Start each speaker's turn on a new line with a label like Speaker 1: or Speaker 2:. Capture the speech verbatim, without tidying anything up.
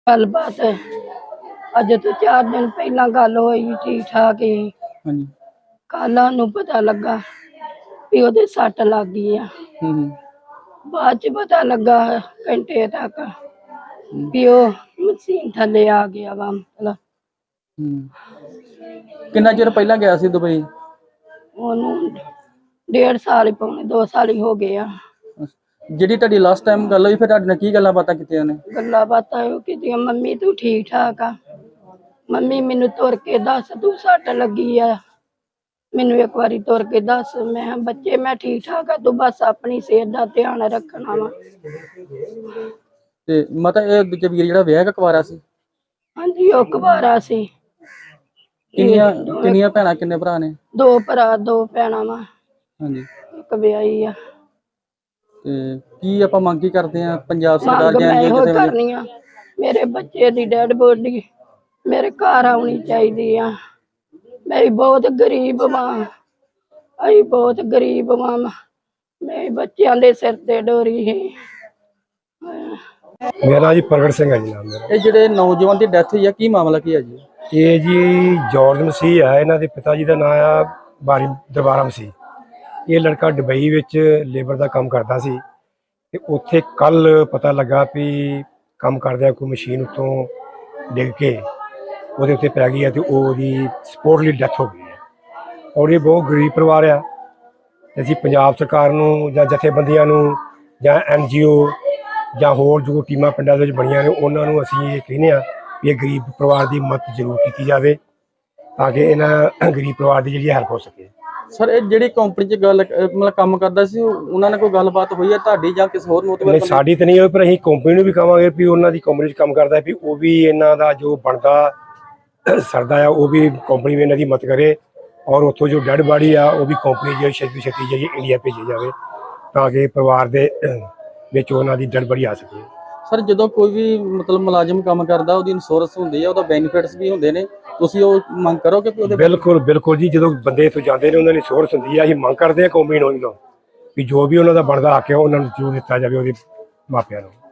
Speaker 1: गलबात अज तो चार दिन पहला गल होई ठीक ठाक ही।
Speaker 2: ਹਾਂਜੀ
Speaker 1: कल सानू पता लगा भी ओदे सट लग गई आ।
Speaker 2: हम्म
Speaker 1: बाद च पता लगा घंटे तक
Speaker 2: हम्म
Speaker 1: भी ओ मशीन थले आ गया वा। मतलब
Speaker 2: हम्म कितना चिर पहला गया सी दुबई?
Speaker 1: ओनू डेढ़ साल ही पौने दो साल ही हो गए आ।
Speaker 2: ਜਿਹੜੀ ਤੁਹਾਡੀ ਲਾਸਟ ਟਾਈਮ ਗੱਲ ਹੋਈ ਫਿਰ ਤੁਹਾਡੇ ਨਾਲ ਕੀ ਗੱਲਾਂ ਬਾਤਾਂ ਕੀਤੀਆਂ ਨੇ?
Speaker 1: ਗੱਲਾਂ ਬਾਤਾਂ ਉਹ ਕੀਤੀਆਂ, ਮੰਮੀ ਤੂੰ ਠੀਕ ਠਾਕ ਆ? ਮੰਮੀ ਮੈਨੂੰ ਤੁਰ ਕੇ ਦੱਸ ਤੂੰ ਸੱਟ ਲੱਗੀ ਆ, ਮੈਨੂੰ ਇੱਕ ਵਾਰੀ ਤੁਰ ਕੇ ਦੱਸ। ਮੈਂ ਕਿਹਾ ਬੱਚੇ ਮੈਂ ਠੀਕ ਠਾਕ ਆ, ਤੂੰ ਬਸ ਆਪਣੀ ਸਿਹਤ ਦਾ ਧਿਆਨ ਰੱਖਣਾ ਵਾ।
Speaker 2: ਤੇ ਮਾਤਾ ਇਹ ਦੂਜਾ ਵੀਰ ਜਿਹੜਾ ਵਿਆਹ ਕਕਵਾਰਾ ਸੀ?
Speaker 1: ਹਾਂਜੀ ਉਹ ਕੁਵਾਰਾ ਸੀ।
Speaker 2: ਕਿੰਨੀਆਂ ਕਿੰਨੀਆਂ ਭੈਣਾਂ ਕਿੰਨੇ ਭਰਾ ਨੇ?
Speaker 1: ਦੋ ਭਰਾ ਦੋ ਭੈਣਾਂ ਵਾ,
Speaker 2: ਹਾਂਜੀ
Speaker 1: ਇੱਕ ਵਿਆਹੀ ਆ।
Speaker 2: ਤੇ ਕੀ ਆਪਾਂ ਮੰਗ ਕੀ ਕਰਦੇ ਆ ਪੰਜਾਬ ਸਰਕਾਰ
Speaker 1: ਮੰਗ
Speaker 2: ਜਾਂ
Speaker 1: ਮੈਂ
Speaker 2: ਐਨਜੀਓ
Speaker 1: ਇਹੋ
Speaker 2: ਕਿਸੇ ਵੱਲੋਂ?
Speaker 1: ਕਰਨੀ ਆ, ਮੇਰੇ ਬੱਚੇ ਦੀ ਡੈਡ ਬੋਡੀ ਮੇਰੇ ਘਰ ਆਉਣੀ ਚਾਹੀਦੀ ਆ। ਮੈਂ ਬਹੁਤ ਗਰੀਬ ਮਾਂ, ਅਸੀਂ ਬਹੁਤ ਗਰੀਬ ਮਾਂ, ਮੇਰੇ ਬੱਚਿਆਂ ਦੇ ਸਿਰ ਤੇ ਡੋਰੀ ਹੈ।
Speaker 3: मेरा जी प्रगट सिंह है जी नाम मेरा।
Speaker 2: ਇਹ ਜਿਹੜੇ ਨੌਜਵਾਨ ਦੀ ਡੈਥ ਹੋਈ ਆ ਕੀ ਮਾਮਲਾ ਕੀ ਹੈ ਜੀ?
Speaker 3: ये जी जॉर्ज मसीह है, इन्हों के पिता जी का नाम आ बारी दरबारा मसीह। ये लड़का दुबई विच लेबर का काम करता सी ते उत्थे कल पता लगा भी काम करदे कोई मशीन उत्तों डिग के ਉਹਦੇ ਉੱਤੇ ਪੈ ਗਈ ਹੈ ਤੇ ਉਹਦੀ ਸਪੋਰਟਲੀ ਡੈਥ ਹੋ ਗਈ ਹੈ। ਔਰ ਇਹ ਬਹੁਤ ਗਰੀਬ ਪਰਿਵਾਰ ਆ। ਅਸੀਂ ਪੰਜਾਬ ਸਰਕਾਰ ਨੂੰ ਜਾਂ ਜਥੇਬੰਦੀਆਂ ਨੂੰ ਜਾਂ ਐਨ ਜੀ ਓ ਜਾਂ ਹੋਰ ਜੋ ਟੀਮਾਂ ਪਿੰਡਾਂ ਦੇ ਵਿੱਚ ਬਣੀਆਂ ਨੇ ਉਹਨਾਂ ਨੂੰ ਅਸੀਂ ਇਹ ਕਹਿੰਦੇ ਹਾਂ ਵੀ ਇਹ ਗਰੀਬ ਪਰਿਵਾਰ ਦੀ ਮਦਦ ਜ਼ਰੂਰ ਕੀਤੀ ਜਾਵੇ ਤਾਂ ਕਿ ਇਹਨਾਂ ਗਰੀਬ ਪਰਿਵਾਰ ਦੀ ਜਿਹੜੀ ਹੈਲਪ ਹੋ ਸਕੇ।
Speaker 2: ਸਰ ਇਹ ਜਿਹੜੀ ਕੰਪਨੀ 'ਚ ਗੱਲ ਮਤਲਬ ਕੰਮ ਕਰਦਾ ਸੀ ਉਹਨਾਂ ਨਾਲ ਕੋਈ ਗੱਲਬਾਤ ਹੋਈ ਹੈ ਤੁਹਾਡੀ ਜਾਂ ਕਿਸੇ ਹੋਰ ਮੋਤਬਰ?
Speaker 3: ਨਹੀਂ ਸਾਡੀ ਤਾਂ ਨਹੀਂ ਹੋਈ, ਪਰ ਅਸੀਂ ਕੰਪਨੀ ਨੂੰ ਵੀ ਕਹਾਂਗੇ ਵੀ ਉਹਨਾਂ ਦੀ ਕੰਪਨੀ 'ਚ ਕੰਮ ਕਰਦਾ ਵੀ ਉਹ ਵੀ ਇਹਨਾਂ ਦਾ ਜੋ ਬਣਦਾ ਸਰਦਾ ਆ ਉਹ ਵੀ ਕੰਪਨੀ ਵੀ ਇਹਨਾਂ ਦੀ ਮਦਦ ਕਰੇ ਔਰ ਉੱਥੋਂ ਜੋ ਡੈਡ ਬਾਡੀ ਆ ਉਹ ਵੀ ਕੰਪਨੀ ਜਿਹੜੀ ਛੇਤੀ ਛੇਤੀ ਜਿਹੜੀ ਇੰਡੀਆ ਭੇਜੀ ਜਾਵੇ ਤਾਂ ਕਿ ਪਰਿਵਾਰ ਦੇ ਵਿੱਚ ਉਹਨਾਂ ਦੀ ਡੈਡ ਬਾਡੀ ਆ ਸਕੇ।
Speaker 2: ਸਰ ਜਦੋਂ ਕੋਈ ਵੀ ਮਤਲਬ ਮੁਲਾਜ਼ਮ ਕੰਮ ਕਰਦਾ ਉਹਦੀ ਇੰਸ਼ੋਰੈਂਸ ਹੁੰਦੀ ਹੈ, ਉਹਦਾ ਬੈਨੀਫਿਟਸ ਵੀ ਹੁੰਦੇ ਨੇ, ਤੁਸੀਂ ਉਹ ਮੰਗ ਕਰੋਗੇ ਕਿ ਉਹਦੇ?
Speaker 3: ਬਿਲਕੁਲ ਬਿਲਕੁਲ ਜੀ, ਜਦੋਂ ਬੰਦੇ ਇੱਥੋਂ ਜਾਂਦੇ ਨੇ ਉਹਨਾਂ ਦੀ ਇੰਸ਼ੋਰੈਂਸ ਹੁੰਦੀ ਆ। ਅਸੀਂ ਮੰਗ ਕਰਦੇ ਹਾਂ ਕੰਪਨੀ ਨੂੰ ਵੀ ਜੋ ਵੀ ਉਹਨਾਂ ਦਾ ਬਣਦਾ ਹੱਕ ਹੈ ਉਹਨਾਂ ਨੂੰ ਜ਼ਰੂਰ ਦਿੱਤਾ ਜਾਵੇ ਉਹਦੇ ਮਾਪਿਆਂ ਨੂੰ।